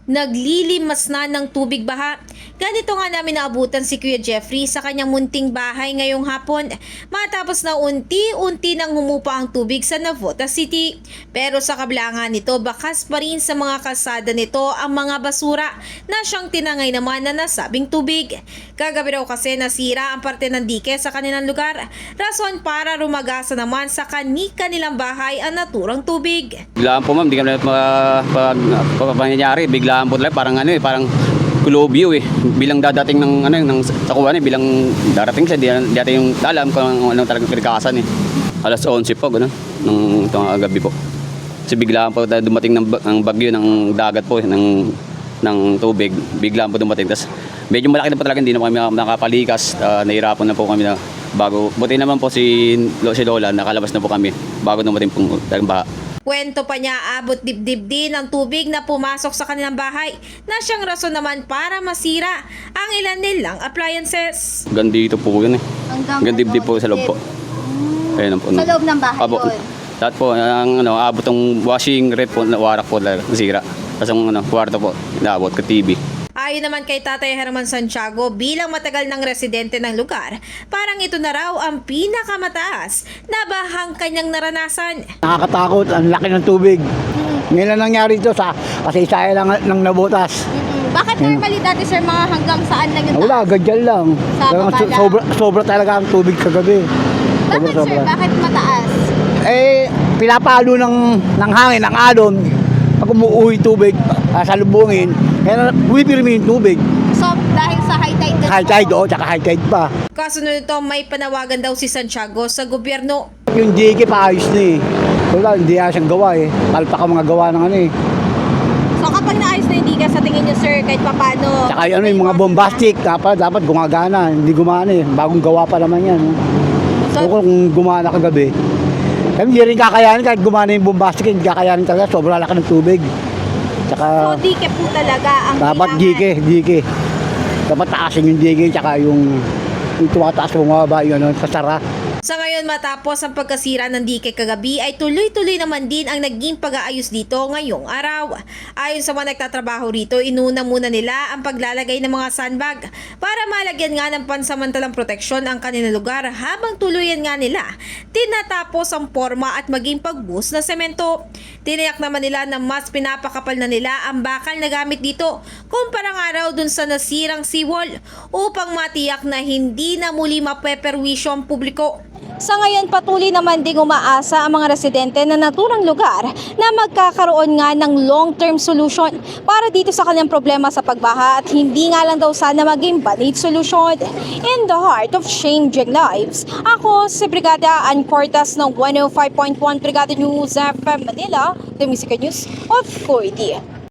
Naglilimas na ng tubig baha. Ganito nga namin naabutan si Kuya Jeffrey sa kanyang munting bahay ngayong hapon matapos na unti-unti nang humupa ang tubig sa Navotas City. Pero sa kabila nga nito, bakas pa rin sa mga kalsada nito ang mga basura na siyang tinangay naman na nasabing tubig. Kagabi raw kasi nasira ang parte ng dike sa kanilang lugar, rason para rumagasa naman sa kanilang bahay ang naturang tubig. Biglaan po ma'am, di kami pangyayari, biglaan po talaga, parang parang kulobyo bilang dadating ng ng sakuan bilang darating siya, di natin yung alam kung ano talagang pinagkakasan Alas 11 po gano'n ng gabi po. Kasi biglaan po dumating ng bagyo ng dagat po ng tubig, biglaan po dumating. Tas medyo malaki na po talaga, hindi na kami nakapalikas, nahirapan na po kami na bago. Buti naman po si Lola, nakalabas na po kami bago dumating po talagang baha. Kwento pa niya, abot dibdib din ang tubig na pumasok sa kanilang bahay na siyang rason naman para masira ang ilan nilang appliances. Hanggang dito po yun Hanggang dibdib po sa loob po. Ayun po. Sa loob ng bahay Abo, yun? lahat po, abot ng washing rep po, warak po nasira. Tapos ang kwarto po, naabot ka TV. Ayon naman kay Tatay Herman Santiago, bilang matagal ng residente ng lugar, parang ito na raw ang pinakamataas na bahang kanyang naranasan. Nakakatakot, ang laki ng tubig. Ngayon lang nangyari ito kasi isa lang ng nabutas. Bakit normally dati sir mga hanggang saan lang yung Wala, ganyan lang. Sa baba lang? Sobra talaga ang tubig kagabi. Bakit sir? Bakit mataas? Pinapalo ng hangin, ng alon. Pag umuuwi tubig, salubungin, kaya bumipirmi yung tubig. So dahil sa high tide din High tide, tsaka high tide pa. Kasunod nito, may panawagan daw si Santiago sa gobyerno. Yung dike paayos na Wala, hindi siyang gawa Palpak ang mga gawa ng So kapag naayos na hindi ka sa tingin niyo sir, kahit papano? Tsaka yung mga bombastic, dapat gumagana. Hindi gumana Bagong gawa pa naman yan. So kung gumana kagabi, hindi rin kakayanin kahit gumana yung bombastic, hindi kakayanin talaga. Sobrang laki ng tubig. Tsaka, So dike po talaga ang dapat dike. Dapat taasin yung dike, tsaka yung tumataas bumaba yun, sasara. Sa ngayon, matapos ang pagkasira ng dike kagabi ay tuloy-tuloy naman din ang naging pag-aayos dito ngayong araw. Ayon sa mga nagtatrabaho rito, inuna muna nila ang paglalagay ng mga sandbag para malagyan nga ng pansamantalang proteksyon ang kanilang lugar habang tuluyan nga nila tinatapos ang forma at maging pagbuhos na semento. Tiniyak naman nila na mas pinapakapal na nila ang bakal na gamit dito kumpara nga raw dun sa nasirang seawall upang matiyak na hindi na muli mapeperwisyo ang publiko. Sa ngayon, patuloy naman ding umaasa ang mga residente na naturang lugar na magkakaroon nga ng long-term solution para dito sa kanilang problema sa pagbaha at hindi nga lang daw sana maging band-aid solution. In the heart of changing lives, ako si Brigada Ann Cortas ng 105.1 Brigada News FM Manila, the Music News of 4D.